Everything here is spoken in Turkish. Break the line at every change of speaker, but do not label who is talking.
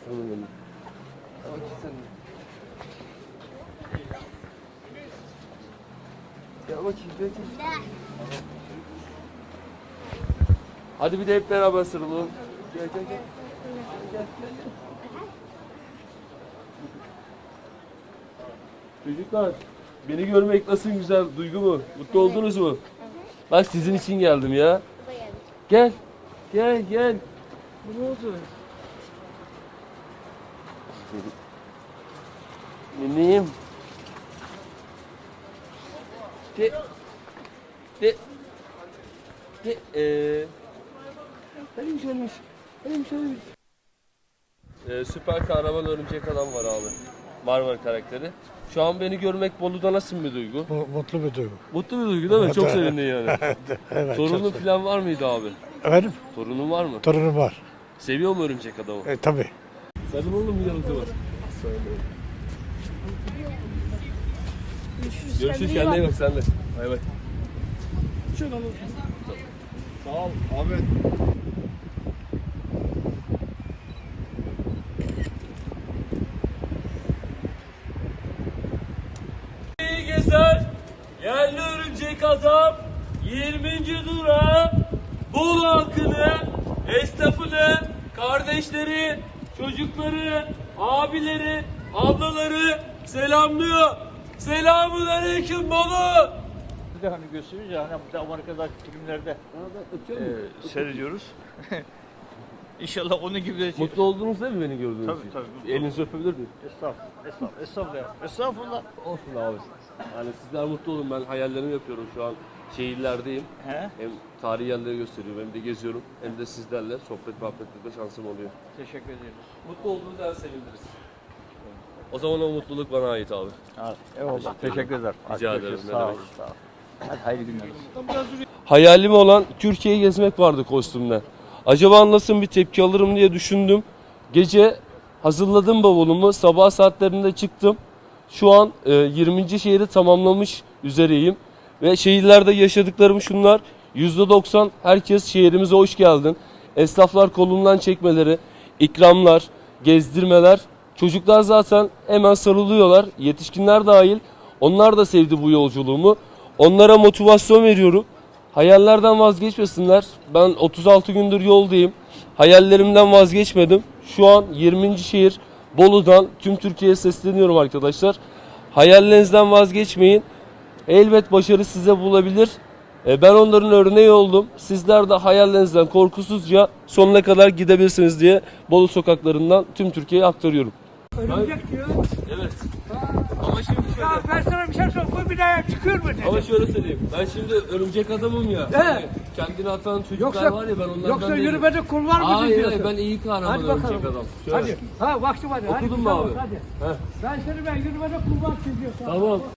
Aslanım benim. Ama ki sen... Gel bakayım, gel. Hadi bir de hep beraber sarılalım. Gel. Çocuklar, beni görmek nasıl güzel duygu mu? Mutlu oldunuz mu? Bak sizin için geldim ya. Gel. Bu ne oldu? Miniyim. Neymiş. Süper kahraman örümcek adam var abi. Marvel karakteri. Şu an beni görmek Bolu'da nasıl bir duygu?
Mutlu bir duygu.
Mutlu bir duygu değil mi? Çok sevindin yani.
Evet,
Torunun falan var mıydı abi?
Efendim?
Torunun var mı?
Torunum var.
Seviyor mu örümcek adamı?
Tabii.
Sarıl oğlum bir yanıtı var. Görüşürüz, kendine iyi bak sen de. Bay bay.
Sağ ol Ahmet.
İyi gezer, yerli örümcek adam, 20. durağı, Bolu halkını, esnafını, kardeşleri, çocukları, abileri, ablaları selamlıyor. Selamun aleyküm Bolu.
Bir de hani gösteriyoruz ya hani bu da Amerika'daki filmlerde seyrediyoruz. İnşallah onun gibi de
Mutlu oldunuz değil mi beni gördüğünüz için?
Tabii.
Elinizi öpebilir miyim?
Estağfurullah.
Olsun abi. Yani sizler mutlu olun. Ben hayallerimi yapıyorum şu an. Şehirlerdeyim.
He?
Hem tarihi yerleri gösteriyorum hem de geziyorum. Hem de sizlerle sohbet muhabbetlikte şansım oluyor.
Teşekkür ediyoruz.
Mutlu olduğunuz her seviniriz. O zaman o mutluluk bana ait abi.
Eyvallah. Teşekkür ederim.
Rica ederim. Ne demek.
Sağ ol. Hadi hayırlı günler olsun.
Hayalim olan Türkiye'yi gezmek vardı kostümle. Acaba nasıl bir tepki alırım diye düşündüm. Gece hazırladım bavulumu. Sabah saatlerinde çıktım. Şu an 20. şehri tamamlamış üzereyim. Ve şehirlerde yaşadıklarım şunlar. %90 herkes şehrimize hoş geldin. Esnaflar kolundan çekmeleri, ikramlar, gezdirmeler. Çocuklar zaten hemen sarılıyorlar. Yetişkinler dahil. Onlar da sevdi bu yolculuğumu. Onlara motivasyon veriyorum. Hayallerden vazgeçmesinler. Ben 36 gündür yoldayım. Hayallerimden vazgeçmedim. Şu an 20. şehir Bolu'dan tüm Türkiye'ye sesleniyorum arkadaşlar. Hayallerinizden vazgeçmeyin. Elbet başarı size bulabilir. Ben onların örneği oldum. Sizler de hayallerinizden korkusuzca sonuna kadar gidebilirsiniz diye Bolu sokaklarından tüm Türkiye'ye aktarıyorum.
Örümcek diyor.
Evet. Ama şimdi şöyle.
Ya ben sana bir şey sorayım. Bu bir daha çıkıyor mu dedi.
Ama şöyle söyleyeyim. Ben şimdi örümcek adamım ya.
He.
Kendini atan çocuklar
Yoksa-
var ya ben onlardan
Yoksa
değilim.
yürümede kulvar mı
Hayır
diyorsun?
hayır ben iyi kahraman
Hadi bakalım.
örümcek adam. Şöyle.
Hadi. Ha vakti var. Hadi
Okudun mu
güzel
abi?
olsun, Hadi.
Heh.
Ben seni yürümede kulvar çiziyorsun.
Tamam.